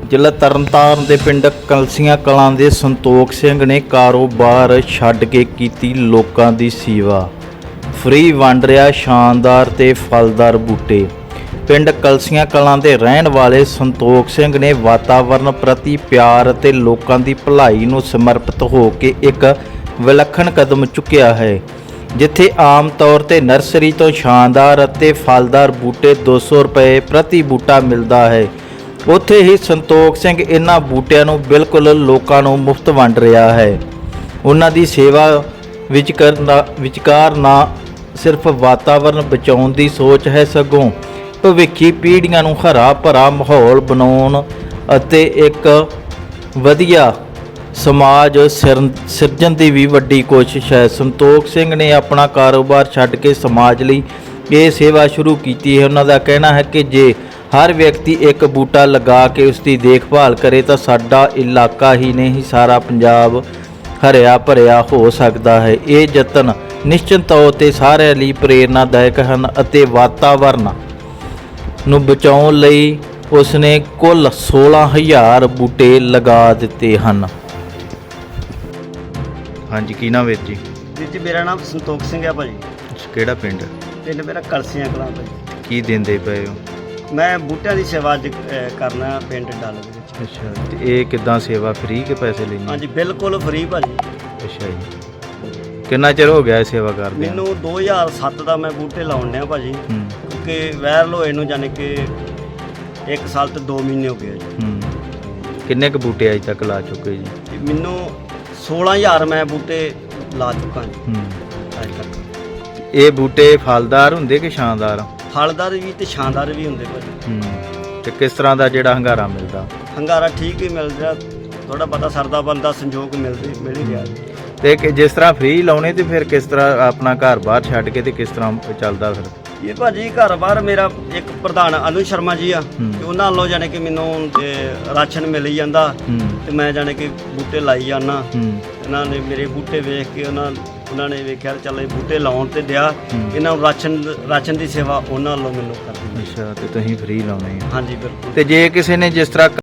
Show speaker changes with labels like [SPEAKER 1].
[SPEAKER 1] ਜ਼ਿਲ੍ਹਾ ਤਰਨਤਾਰਨ ਦੇ ਪਿੰਡ ਕਲਸੀਆਂ ਕਲਾਂ ਦੇ ਸੰਤੋਖ ਸਿੰਘ ਨੇ ਕਾਰੋਬਾਰ ਛੱਡ ਕੇ ਕੀਤੀ ਲੋਕਾਂ ਦੀ ਸੇਵਾ। ਫ੍ਰੀ ਵੰਡ ਰਿਹਾ ਸ਼ਾਨਦਾਰ ਤੇ ਫਲਦਾਰ ਬੂਟੇ। ਪਿੰਡ ਕਲਸੀਆਂ ਕਲਾਂ ਦੇ ਰਹਿਣ ਵਾਲੇ ਸੰਤੋਖ ਸਿੰਘ ਨੇ ਵਾਤਾਵਰਣ ਪ੍ਰਤੀ ਪਿਆਰ ਅਤੇ ਲੋਕਾਂ ਦੀ ਭਲਾਈ ਨੂੰ ਸਮਰਪਿਤ ਹੋ ਕੇ ਇੱਕ ਵਿਲੱਖਣ ਕਦਮ ਚੁੱਕਿਆ ਹੈ। ਜਿੱਥੇ ਆਮ ਤੌਰ ਤੇ ਨਰਸਰੀ ਤੋਂ ਸ਼ਾਨਦਾਰ ਅਤੇ ਫਲਦਾਰ ਬੂਟੇ 200 ਰੁਪਏ ਪ੍ਰਤੀ ਬੂਟਾ ਮਿਲਦਾ ਹੈ, ਉੱਥੇ ਹੀ ਸੰਤੋਖ ਸਿੰਘ ਇਹਨਾਂ ਬੂਟਿਆਂ ਨੂੰ ਬਿਲਕੁਲ ਲੋਕਾਂ ਨੂੰ ਮੁਫਤ ਵੰਡ ਰਿਹਾ ਹੈ। ਉਹਨਾਂ ਦੀ ਸੇਵਾ ਵਿਚਕਾਰ ਨਾ ਸਿਰਫ ਵਾਤਾਵਰਣ ਬਚਾਉਣ ਦੀ ਸੋਚ ਹੈ, ਸਗੋਂ ਭਵਿੱਖੀ ਪੀੜ੍ਹੀਆਂ ਨੂੰ ਹਰਾ ਭਰਾ ਮਾਹੌਲ ਬਣਾਉਣ ਅਤੇ ਇੱਕ ਵਧੀਆ ਸਮਾਜ ਸਿਰਜਣ ਦੀ ਵੀ ਵੱਡੀ ਕੋਸ਼ਿਸ਼ ਹੈ। ਸੰਤੋਖ ਸਿੰਘ ਨੇ ਆਪਣਾ ਕਾਰੋਬਾਰ ਛੱਡ ਕੇ ਸਮਾਜ ਲਈ ਇਹ ਸੇਵਾ ਸ਼ੁਰੂ ਕੀਤੀ ਹੈ। ਉਹਨਾਂ ਦਾ ਕਹਿਣਾ ਹੈ ਕਿ ਜੇ ਹਰ ਵਿਅਕਤੀ ਇੱਕ ਬੂਟਾ ਲਗਾ ਕੇ ਉਸ ਦੀ ਦੇਖਭਾਲ ਕਰੇ ਤਾਂ ਸਾਡਾ ਇਲਾਕਾ ਹੀ ਨਹੀਂ, ਸਾਰਾ ਪੰਜਾਬ ਹਰਿਆ ਭਰਿਆ ਹੋ ਸਕਦਾ ਹੈ। ਇਹ ਯਤਨ ਨਿਸ਼ਚਿਤ ਤੌਰ 'ਤੇ ਸਾਰਿਆਂ ਲਈ ਪ੍ਰੇਰਨਾਦਾਇਕ ਹਨ ਅਤੇ ਵਾਤਾਵਰਣ ਨੂੰ ਬਚਾਉਣ ਲਈ ਉਸਨੇ ਕੁੱਲ 16,000 ਬੂਟੇ ਲਗਾ ਦਿੱਤੇ ਹਨ। ਹਾਂਜੀ, ਕੀ ਨਾਮ ਵੀਰ ਜੀ?
[SPEAKER 2] ਵੀਰ ਜੀ ਮੇਰਾ ਨਾਮ ਸੰਤੋਖ ਸਿੰਘ ਹੈ ਭਾਜੀ।
[SPEAKER 1] ਕਿਹੜਾ ਪਿੰਡ?
[SPEAKER 2] ਪਿੰਡ ਮੇਰਾ ਕਲਸੀਆਂ ਕਲਾਂ ਭਾਜੀ।
[SPEAKER 1] ਕੀ ਦਿੰਦੇ ਪਏ ਹੋ?
[SPEAKER 2] ਮੈਂ ਬੂਟਿਆਂ ਦੀ ਸੇਵਾ ਕਰਨਾ ਪਿੰਡ ਡੱਲ ਦੇ ਵਿੱਚ।
[SPEAKER 1] ਅੱਛਾ, ਤੇ ਇਹ ਕਿੱਦਾਂ ਸੇਵਾ, ਫ੍ਰੀ ਕੇ ਪੈਸੇ ਲੈਂਦੇ?
[SPEAKER 2] ਹਾਂਜੀ ਬਿਲਕੁਲ ਫ੍ਰੀ ਭਾਜੀ।
[SPEAKER 1] ਅੱਛਾ ਜੀ, ਕਿੰਨਾ ਚਿਰ ਹੋ ਗਿਆ ਇਹ ਸੇਵਾ ਕਰਦੇ?
[SPEAKER 2] ਮੈਨੂੰ 2007 ਦਾ ਮੈਂ ਬੂਟੇ ਲਾਉਣ ਡਿਆ ਭਾਜੀ, ਕਿਉਂਕਿ ਵਾਇਰਲ ਹੋਏ ਨੂੰ ਜਾਣੀ ਕਿ 1 ਸਾਲ ਤੇ 2 ਮਹੀਨੇ ਹੋ ਗਏ ਜੀ।
[SPEAKER 1] ਕਿੰਨੇ ਕੁ ਬੂਟੇ ਅਜੇ ਤੱਕ ਲਾ ਚੁੱਕੇ ਜੀ?
[SPEAKER 2] ਮੈਨੂੰ 16,000 ਮੈਂ ਬੂਟੇ ਲਾ ਚੁੱਕਾ ਜੀ ਅੱਜ ਤੱਕ।
[SPEAKER 1] ਇਹ ਬੂਟੇ ਫਲਦਾਰ ਹੁੰਦੇ ਕਿ ਸ਼ਾਨਦਾਰ?
[SPEAKER 2] ਫਲਦਾਰ ਵੀ ਤੇ ਸ਼ਾਨਦਾਰ ਵੀ ਹੁੰਦੇ ਭਾਜੀ।
[SPEAKER 1] ਤੇ ਕਿਸ ਤਰ੍ਹਾਂ ਦਾ ਜਿਹੜਾ ਹੰਗਾਰਾ ਮਿਲਦਾ?
[SPEAKER 2] ਹੰਗਾਰਾ ਠੀਕ ਹੀ ਮਿਲ ਰਿਹਾ, ਥੋੜਾ ਪਤਾ ਸਰਦਾ ਬੰਦਾ ਸੰਜੋਗ ਮਿਲ ਹੀ ਰਿਹਾ ਜੀ।
[SPEAKER 1] ਤੇ ਜਿਸ ਤਰ੍ਹਾਂ ਫ੍ਰੀ ਲਾਉਣੇ ਤੇ ਫਿਰ ਕਿਸ ਤਰ੍ਹਾਂ ਆਪਣਾ ਘਰ ਬਾਹਰ ਛੱਡ ਕੇ ਤੇ ਕਿਸ ਤਰ੍ਹਾਂ ਚੱਲਦਾ ਫਿਰ?
[SPEAKER 2] ਇਹ ਭਾਜੀ ਘਰ ਬਾਹਰ ਮੇਰਾ ਇੱਕ ਪ੍ਰਧਾਨ ਅਨੂ ਸ਼ਰਮਾ ਜੀ ਆ, ਤੇ ਉਹਨਾਂ ਵੱਲੋਂ ਜਾਣੇ ਕਿ ਮੈਨੂੰ ਰਾਸ਼ਨ ਮਿਲ ਹੀ ਜਾਂਦਾ ਤੇ ਮੈਂ ਜਾਣੇ ਕਿ ਬੂਟੇ ਲਾਈ ਜਾਂਦਾ। ਇਹਨਾਂ ਨੇ ਮੇਰੇ ਬੂਟੇ ਵੇਖ ਕੇ ਉਹਨਾਂ ਨੇ ਵੇਖਿਆ ਚੱਲ ਇਹ ਬੂਟੇ ਲਾਉਣ ਤੇ ਦਿਆ, ਇਹਨਾਂ ਨੂੰ ਰਾਸ਼ਨ ਦੀ ਸੇਵਾ ਉਹਨਾਂ ਵੱਲੋਂ ਮੈਨੂੰ ਕਰਨੀ।
[SPEAKER 1] ਅੱਛਾ, ਤੇ ਤੁਸੀਂ ਫ੍ਰੀ ਲਾਉਣੇ?
[SPEAKER 2] ਹਾਂਜੀ ਬਿਲਕੁਲ।
[SPEAKER 1] ਤੇ ਜੇ ਕਿਸੇ ਨੇ ਜਿਸ ਤਰ੍ਹਾਂ